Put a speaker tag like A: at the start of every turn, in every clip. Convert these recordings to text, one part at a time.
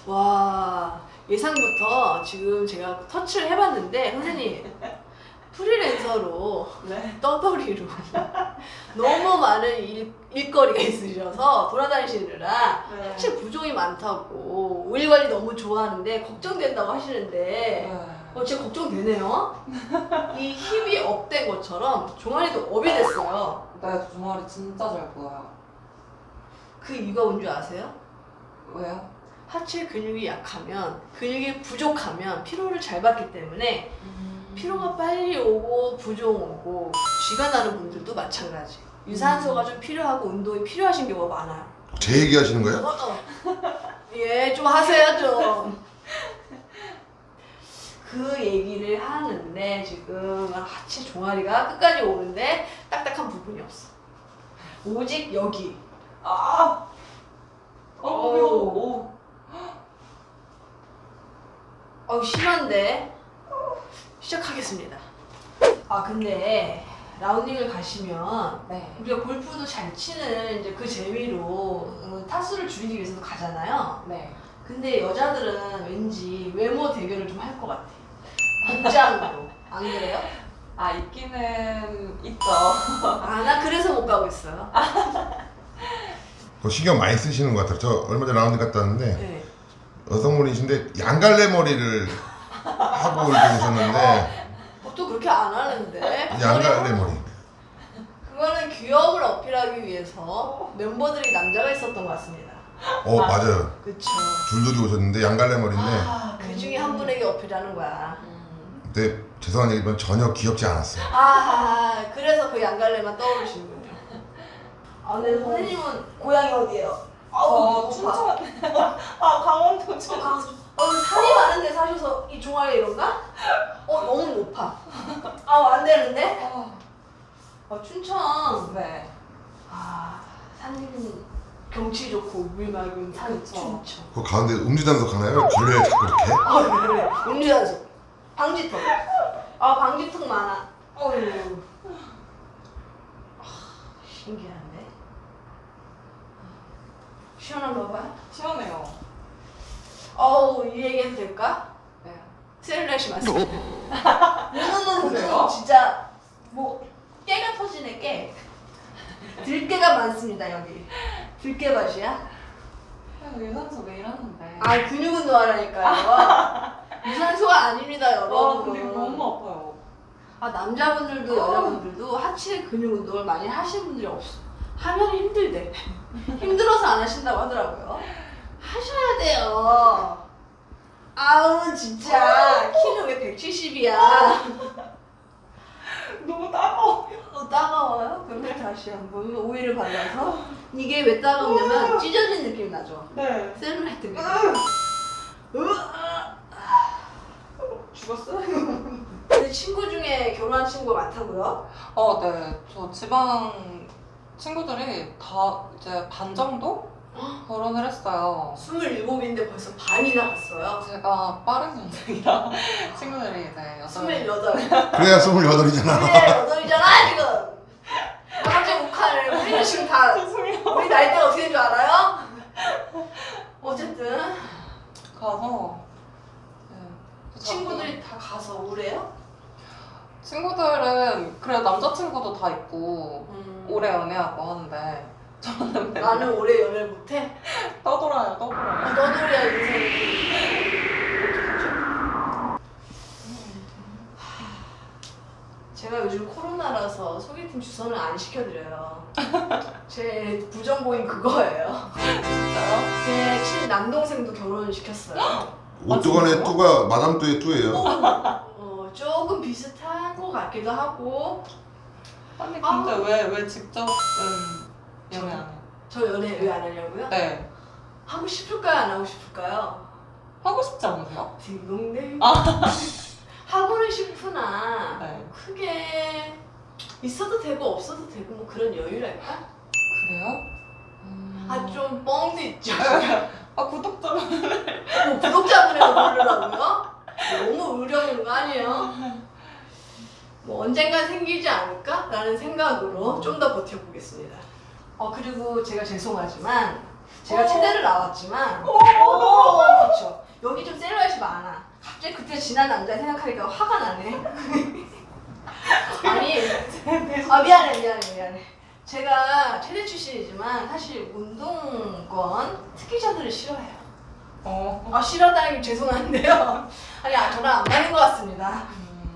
A: 와, 예상부터 지금 제가 터치를 해봤는데 선생님 프리랜서로
B: 네.
A: 떠돌이로 너무 많은 일거리가 있으셔서 돌아다니시느라
B: 네.
A: 사실 부종이 많다고 일 관리 너무 좋아하는데 걱정된다고 하시는데 진짜 걱정되네요. 이 힙이 업된 것처럼 종아리도 업이 됐어요.
B: 네, 종아리 진짜 잘 보여요.
A: 그 이유가 뭔지 아세요?
B: 왜요?
A: 하체 근육이 약하면, 근육이 부족하면 피로를 잘 받기 때문에 피로가 빨리 오고 부종 오고 쥐가 나는 분들도 마찬가지. 유산소가 좀 필요하고 운동이 필요하신 경우가 많아요.
C: 제 얘기 하시는 거예요?
A: 예, 좀 하세요 좀. 그 얘기를 하는데 지금 하체 종아리가 끝까지 오는데 딱딱한 부분이 없어. 오직 여기.
B: 아!
A: 오. 심한데 시작하겠습니다. 근데 라운딩을 가시면
B: 네.
A: 우리가 골프도 잘 치는 이제 그 재미로 타수를 줄이기 위해서도 가잖아요.
B: 네.
A: 근데 여자들은 왠지 외모 대결을 좀 할 것 같아. 복장으로. 안 그래요?
B: 있기는 있죠.
A: 나 그래서 못 가고 있어요.
C: 신경 많이 쓰시는 것 같아요. 저 얼마 전에 라운드 갔다 왔는데
A: 네.
C: 여성분이신데 양갈래 머리를 하고 이렇게 오셨는데
A: 또 그렇게 안 하는데.
C: 양갈래 머리.
A: 그거는 귀여움을 어필하기 위해서 멤버들이 남자가 있었던 것 같습니다.
C: 맞아요.
A: 그쵸.
C: 줄줄이 오셨는데 양갈래 머리인데
A: 그 중에 한 분에게 어필하는 거야.
C: 근데 죄송한 얘기지만 전혀 귀엽지 않았어요.
A: 그래서 그 양갈래만 떠오르시는군요. 근데 선생님은 고향이 어디예요?
B: 춘천. 강원도 춘천.
A: 살이 많은데 사셔서 이 종아리 이런가? 너무 높아. 안 되는데? 춘천.
B: 네.
A: 산 경치 좋고 물 맑은 산
B: 그쵸.
A: 춘천.
C: 그 가운데 음주단속 하나요? 걸레 자꾸 이렇게?
A: 그래. 음주단속. 방지턱. 방지턱 많아. 어휴. 신기한데? 시원한가 봐요?
B: 시원해요.
A: 이 얘기해도 될까?
B: 네.
A: 셀룰라이트 맞습니다.
B: 그래요?
A: 진짜 깨가 터지네 깨. 들깨가 많습니다 여기. 들깨밭이야?
B: 유산소 매일 하는데.
A: 근육 운동하라니까요. 유산소가 아닙니다 여러분.
B: 근데 너무 아파요.
A: 남자분들도 여자분들도 하체 근육 운동을 많이 하시는 분들이 없어. 하면 힘들대. 힘들어서 안 하신다고 하더라고요. 하셔야 돼요. 진짜 키는 왜 170이야?
B: 너무 따가워.
A: 따가워요? 그럼 다시 한번 오일을 발라서. 이게 왜 따가우냐면 찢어진 느낌이 나죠?
B: 네.
A: 셀룰라이트입니다.
B: 죽었어요?
A: 내 친구 중에 결혼한 친구가 많다고요?
B: 네. 저 지방 친구들이 다 이제 반 정도 결혼을 했어요.
A: 27인데 벌써 반이나 갔어요.
B: 제가 빠른 년생이라 친구들이 이제
A: 28.
C: 그래야 28이잖아.
A: 28이잖아 지금. 갑자기 욱하네. 우리는 지금 다
B: 죄송해요.
A: 우리 나이대가 어떻게 된 줄 알아요? 어쨌든
B: 가서
A: 친구들이 다 가서 오래요?
B: 친구들은 그래 남자친구도 다 있고 오래 연애하고 하는데 저는 맨날
A: 나는 오래 연애를 못해?
B: 떠돌아요.
A: 너도리야 인생이. 제가 요즘 코로나라서 소개팅 주선을 안 시켜드려요. 제 부정보인 그거예요.
B: 진짜요?
A: 제 친남동생도 결혼을 시켰어요.
C: 오뚜간의 뚜가 마담 뚜의 뚜예요.
A: 조금 비슷한 것 같기도 하고.
B: 아니 근데 왜 직접은 연애 안 해요?
A: 저 연애 왜 안 하냐고요?
B: 네.
A: 하고 싶을까요? 안 하고 싶을까요?
B: 하고 싶지 않으세요?
A: 딩동댕. 하고는 싶으나
B: 네.
A: 크게 있어도 되고 없어도 되고 뭐 그런 여유랄까?
B: 그래요?
A: 좀 뻥도 있죠.
B: 구독자분
A: 구독자분에서 고르라고요? 너무 의려운 거 아니에요? 언젠간 생기지 않을까? 라는 생각으로 좀 더 버텨보겠습니다. 그리고 제가 죄송하지만 제가 체대를 나왔지만 그렇죠. 여기 좀 셀룰라이트 많아. 갑자기 그때 지난 남자 생각하니까 화가 나네. 아니 미안해. 제가 체대 출신이지만 사실 운동권 특기자들을 싫어해요. 싫어하다니 죄송한데요. 아니 저랑 안 맞는 것 같습니다.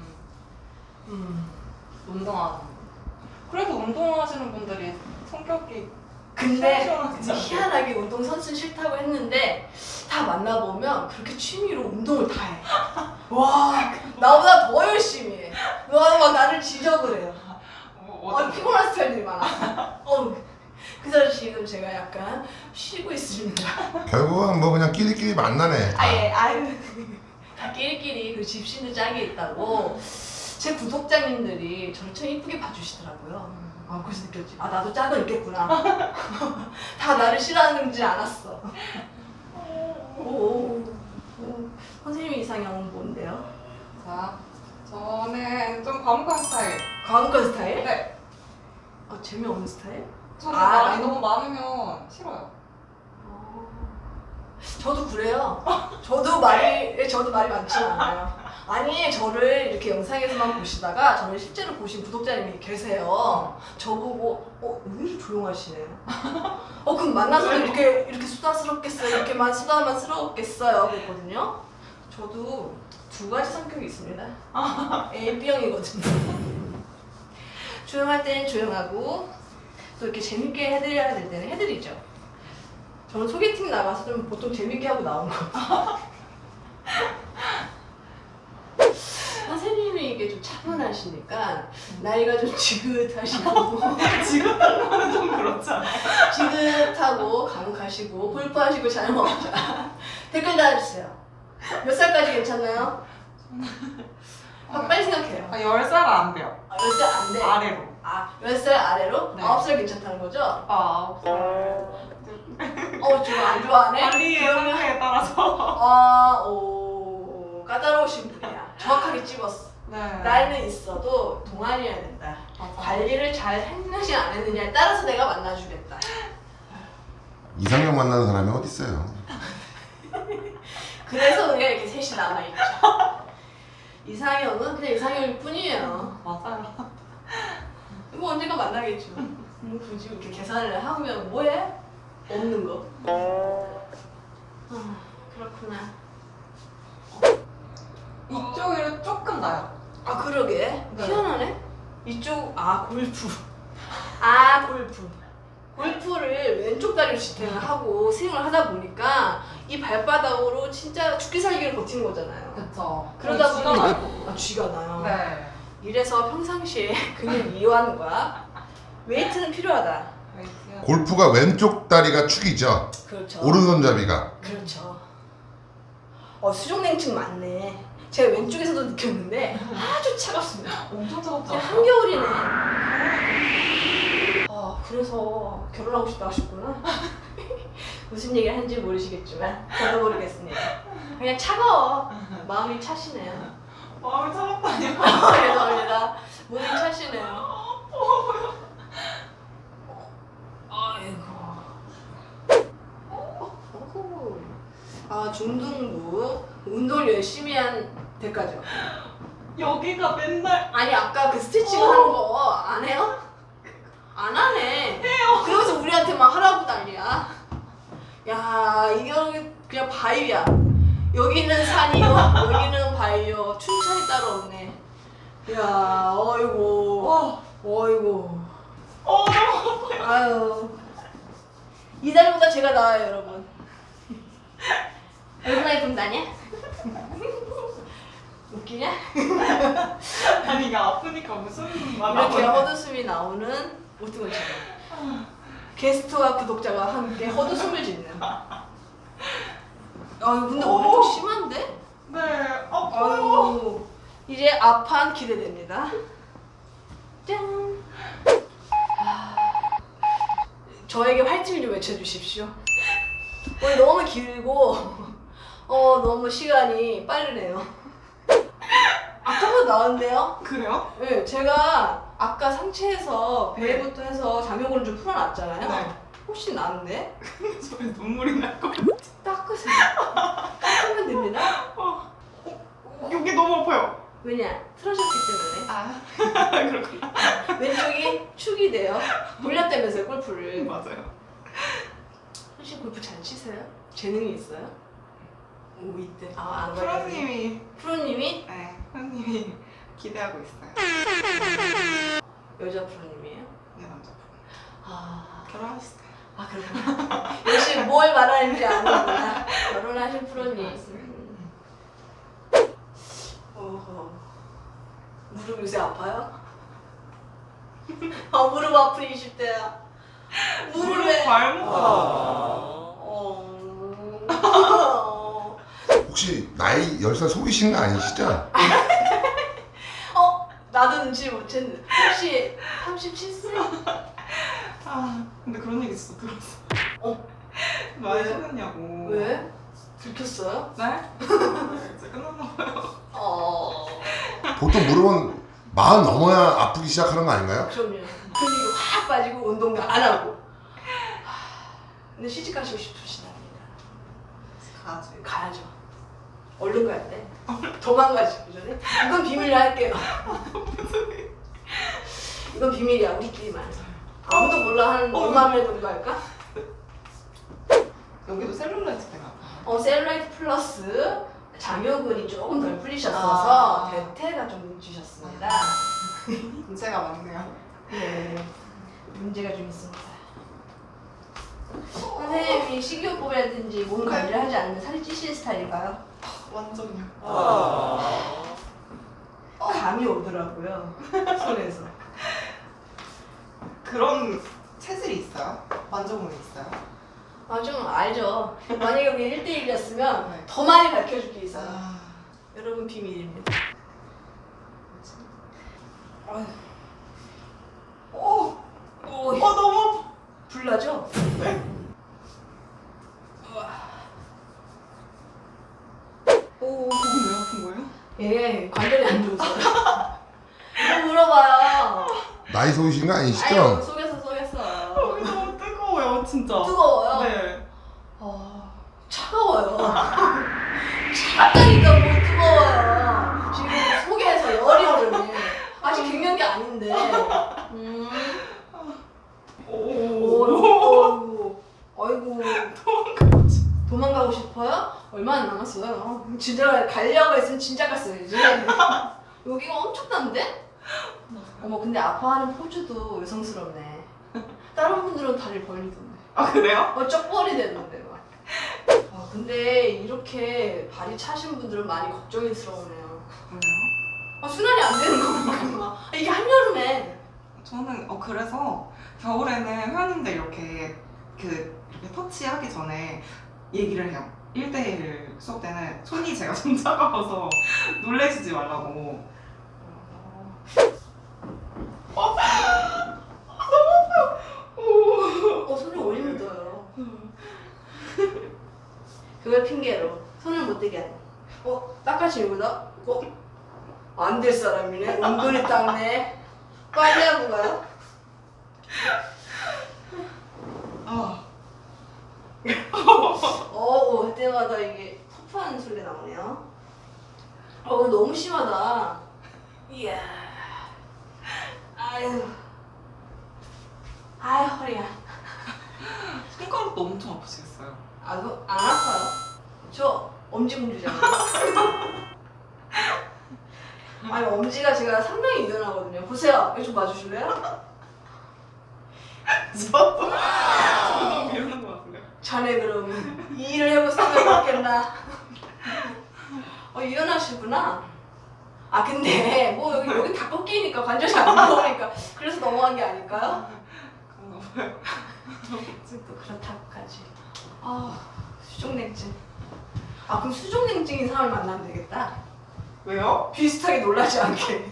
B: 운동하는. 그래도 운동하시는 분들이 성격이
A: 근데
B: 시원시원하지 않아요?
A: 희한하게 운동선수는 싫다고 했는데 다 만나보면 그렇게 취미로 운동을 다 해. 와 나보다 더 열심히 해. 막 나를 지적을 해요. 피곤한 스타일들이 많아. 그래서 지금 제가 약간 쉬고 있습니다.
C: 결국은 뭐 그냥 끼리끼리 만나네.
A: 다 끼리끼리 그 집신도 짝이 있다고 제 구독자님들이 저를 참 이쁘게 봐주시더라고요. 그래서 느꼈지. 나도 짝은 있겠구나. 다 나를 싫어하는지 알았어. 선생님 이상형은 뭔데요?
B: 자, 저는 좀 과묵한 스타일.
A: 과묵한 스타일?
B: 네.
A: 재미없는 스타일?
B: 저는
A: 아,
B: 말이 너무 많으면 싫어요.
A: 저도 그래요. 저도 말이 많지 않아요. 아니 저를 이렇게 영상에서만 보시다가 저를 실제로 보신 구독자님이 계세요. 저보고 의외로 조용하시네요. 그럼 만나서도 이렇게 수다스럽겠어요? 이렇게만 수다만 스러웠겠어요? 그랬거든요. 저도 두 가지 성격이 있습니다. A, B형이거든요. 조용할 때는 조용하고 또 이렇게 재밌게 해드려야 될 때는 해드리죠. 저는 소개팅 나가서 좀 보통 재밌게 하고 나온 거. 선생님이 이게 좀 차분하시니까 나이가 좀 지긋하시고
B: 지금은 좀 그렇잖아요.
A: 지긋하고 감각하시고 골프하시고 잘 먹죠. 댓글 달아주세요. 몇 살까지 괜찮나요? 빨리 생각해요.
B: 10살 안 돼요.
A: 10살 안 돼.
B: 아래로.
A: 10살 아래로?
B: 네.
A: 9살 괜찮다는 거죠?
B: 9살.
A: 좀 안 좋아하네?
B: 관리의 상태에 따라서.
A: 까다로우신 분이야. 정확하게 찝었어.
B: 네.
A: 나이는 있어도 동안이어야 된다.
B: 맞아.
A: 관리를 잘 했느냐 안 했느냐에 따라서 내가 만나주겠다.
C: 이상형 만나는 사람이 어디 있어요?
A: 그래서 우리가 이렇게 셋이 남아있죠. 이상형은 그냥 이상형일 뿐이에요.
B: 맞아요.
A: 뭐 언젠가 만나겠죠. 굳이 이렇게 계산을 하면 뭐해? 없는 거. 그렇구나.
B: 이쪽이 조금 나요.
A: 그러게.
B: 네.
A: 희한하네. 이쪽 골프. 골프. 골프를 왼쪽 다리로 지탱을 하고 스윙을 하다 보니까 이 발바닥으로 진짜 죽기 살기를 버티는 거잖아요.
B: 그쵸.
A: 그러다
B: 쥐가
A: 보니
B: 나요.
A: 쥐가 나요.
B: 네.
A: 이래서 평상시에 근육 이완과 웨이트는 필요하다.
B: 웨이트요.
C: 골프가 왼쪽 다리가 축이죠.
A: 그렇죠.
C: 오른손잡이가.
A: 그렇죠. 수족냉증 많네. 제가 왼쪽에서도 느꼈는데 아주 차갑습니다.
B: 엄청 차갑죠?
A: 그냥 한겨울이네. 그래서 결혼하고 싶다 하셨구나. 무슨 얘기를 하는지 모르시겠지만 저도 모르겠습니다. 그냥 차가워. 마음이 차시네요.
B: 마음이 차갑다니요?
A: 죄송합니다. 몸이 차시네요. 중등부 운동을 열심히 한 대가죠.
B: 여기가 맨날
A: 아까 그 스트레칭 하는 거 안 해요? 안 하네. 해요. 그러면서 우리한테 막 하라고 난리야. 야 이게 그냥 바위야. 여기는 산이요, 여기는 바위요. 춘천이 따로 없네. 야 어이구.
B: 너무
A: 아유 이 다리보다 제가 나아요 여러분. 얼마나 예쁜다 아니야? 웃기냐?
B: 아니 이게 아프니까 무슨 말
A: 이렇게 헛웃음이 나오는 오뜨건처럼 게스트와 구독자가 함께 헛웃음을 짓는. 근데 오늘 좀 심한데?
B: 네. 아파요.
A: 이제 앞판 기대됩니다. 짠. 저에게 화이팅을 좀 외쳐주십시오. 오늘 너무 길고 너무 시간이 빠르네요. 아까보다 나은데요?
B: 그래요?
A: 네, 제가 아까 상체에서 배부터 해서 장요근을 좀 풀어놨잖아요.
B: 네.
A: 혹시 나는데?
B: 저에 눈물이 날 것 같아.
A: 닦으세요. 닦으면 됩니다.
B: 여기 너무 아파요.
A: 왜냐? 틀어졌기 때문에.
B: 아 그렇구나.
A: 왼쪽이 축이 돼요. 돌렸다면서요, 골프를.
B: 맞아요.
A: 혹시 골프 잘 치세요? 재능이 있어요? 오, 있대. 아, 안 가요.
B: 프로님이
A: 프로님이
B: 프로님이 기대하고 있어요.
A: 여자 프로님이에요?
B: 네 남자 프로.
A: 아,
B: 결혼하셨어요?
A: 아 그렇구나. 역시 뭘 말하는지 아는구나. 결혼하신 프로님. 어허. 무릎 요새 아파요? 무릎 아픈 20대야. 무릎에.
B: 발목.
C: 혹시 나이 10살 속이신 거 아니시죠?
A: 나도 눈치 못 챘는데. 혹시 37세?
B: 아 근데 그런 얘기 진짜 들었어.
A: 왜?
B: 많이 속였냐고.
A: 왜? 들켰어요?
B: 네? 이제 끝났나 봐요.
C: 보통 무릎은 40 넘어야 아프기 시작하는 거 아닌가요?
A: 그럼요. 근육이 확 빠지고 운동도 안 하고. 근데 시집 가시고 싶으시답니다.
B: 가지.
A: 가야죠. 얼른 가야 돼. 도망가시기 전에. 이건 비밀로 할게요. 이건 비밀이야, 우리끼리만. 아무도 몰라 하는 오마매 정도 할까?
B: 여기도 셀룰라이트 때문에
A: 셀룰라이트 플러스 장요근이 조금 덜 풀리셨어서
B: 아.
A: 대퇴가 좀 늦으셨습니다.
B: 문제가 많네요.
A: 네, 문제가 좀 있습니다. 선생님이 식이요법이라든지 몸 관리를 하지 않는 살이 찌시는 스타일인가요?
B: 완전요.
A: 감이 오더라고요, 손에서.
B: 그런 체질이 있어요? 만져보는 게 있어요?
A: 좀 알죠. 만약에 우리 1대1이었으면
B: 네.
A: 더 많이 가르쳐줄 게 있어요.
B: 아,
A: 여러분 비밀입니다. 아휴.
B: 너무 아파.
A: 불나죠?
B: 네.
A: 오,
B: 거기 왜 아픈 거예요?
A: 예, 관절이 안 좋으세요. 이거 물어봐요.
C: 나이 속이신 거
A: 아유,
C: 아니시죠?
A: 속였어.
B: 여기 너무 뜨거워요, 진짜.
A: 뜨거워요?
B: 네.
A: 차가워요. 차다니까 뭐 뜨거워요. 지금 속에서 열이 오르네. 아직 갱년기 아닌데. 아이고. 도망가고 싶어요? 얼마나 남았어요? 진짜 가려고 했으면 진짜 갔어야지. 여기가 엄청난데? 어머, 근데 아파하는 포즈도 여성스럽네. 다른 분들은 다리를 벌리던데.
B: 아 그래요?
A: 쩍벌이 되던데 막. 근데 이렇게 발이 차신 분들은 많이 걱정스러우네요.
B: 왜요?
A: 순환이 안 되는 거구나. 이게 한여름에.
B: 저는 그래서 겨울에는 회원님들 이렇게 이렇게 터치하기 전에 얘기를 해요. 1대1 수업 때는 손이 제가 좀 차가워서 놀래시지 말라고.
A: 손이 오래 묻어요. 그걸 핑계로 손을 못 대게 하네. 닦아지는구나? 안 될 사람이네. 은근히 닦네. 빨리 하고 가요? 할 때마다 이게 터프한 소리가 나오네요. 너무 심하다. 이야. 아유, 허리야.
B: 손가락도 엄청 아프시겠어요.
A: 그거 안 아파요. 저 엄지공주잖아요. 아니, 엄지가 제가 상당히 유연하거든요. 보세요. 이거 좀 봐주실래요?
B: 저도 이러는 것 같은데요.
A: 자네 그럼 이 일을 해볼 생각이 없겠나? 유연하시구나. 근데 뭐 여기 다 꺾이니까 관절이 안 나오니까 그래서 넘어간 게 아닐까요?
B: 그런가 봐요.
A: 또 그렇다고까지. 수족냉증. 그럼 수족냉증인 사람을 만나면 되겠다.
B: 왜요?
A: 비슷하게 놀라지 않게.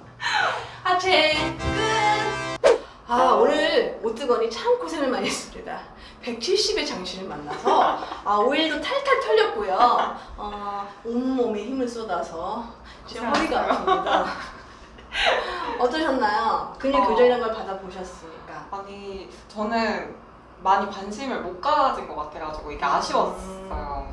A: 하체 끝. 오늘 오뜨건이 참 고생을 많이 했습니다. 170의 장신을 만나서 오일도 탈탈 털렸고요. 온몸에 힘을 쏟아서 제 허리가 아픕니다. 어떠셨나요? 근육 교정이라는 걸 받아보셨으니까.
B: 아니 저는 많이 관심을 못 가진 것 같아가지고 이게 아쉬웠어요.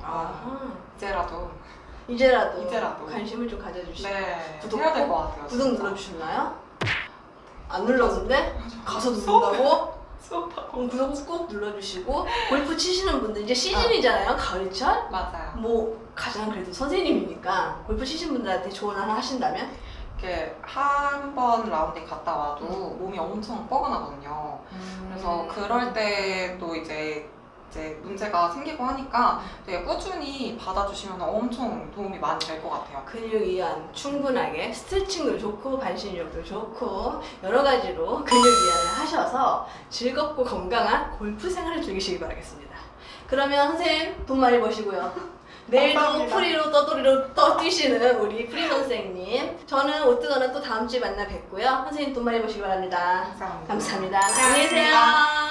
B: 이제라도
A: 이제라도 관심을 좀 가져주시고
B: 네,
A: 구독
B: 해야 될 것
A: 꼭
B: 같아요.
A: 구독
B: 진짜.
A: 눌러주셨나요? 안 눌렀는데 가서 누른다고?
B: 수업하고
A: 그럼 구독 꼭 눌러주시고 골프 치시는 분들 이제 시즌이잖아요. 가을철?
B: 맞아요.
A: 뭐 가장 그래도 선생님이니까 골프 치시는 분들한테 조언 하나 하신다면?
B: 이렇게 한 번 라운딩 갔다 와도 몸이 엄청 뻐근하거든요. 그래서 그럴 때도 이제 문제가 생기고 하니까 되게 꾸준히 받아주시면 엄청 도움이 많이 될 것 같아요.
A: 근육 이완 충분하게 스트레칭도 좋고 반신욕도 좋고 여러 가지로 근육 이완을 하셔서 즐겁고 건강한 골프 생활을 즐기시기 바라겠습니다. 그러면 선생님 돈 많이 버시고요. 내일도
B: 감사합니다.
A: 프리로 떠돌이로 뛰시는 우리 프리 선생님. 저는 오뜨거는 또 다음 주에 만나 뵙고요. 선생님 돈 많이 버시기 바랍니다.
B: 감사합니다.
A: 감사합니다.
B: 고생하셨습니다.
A: 안녕히 계세요.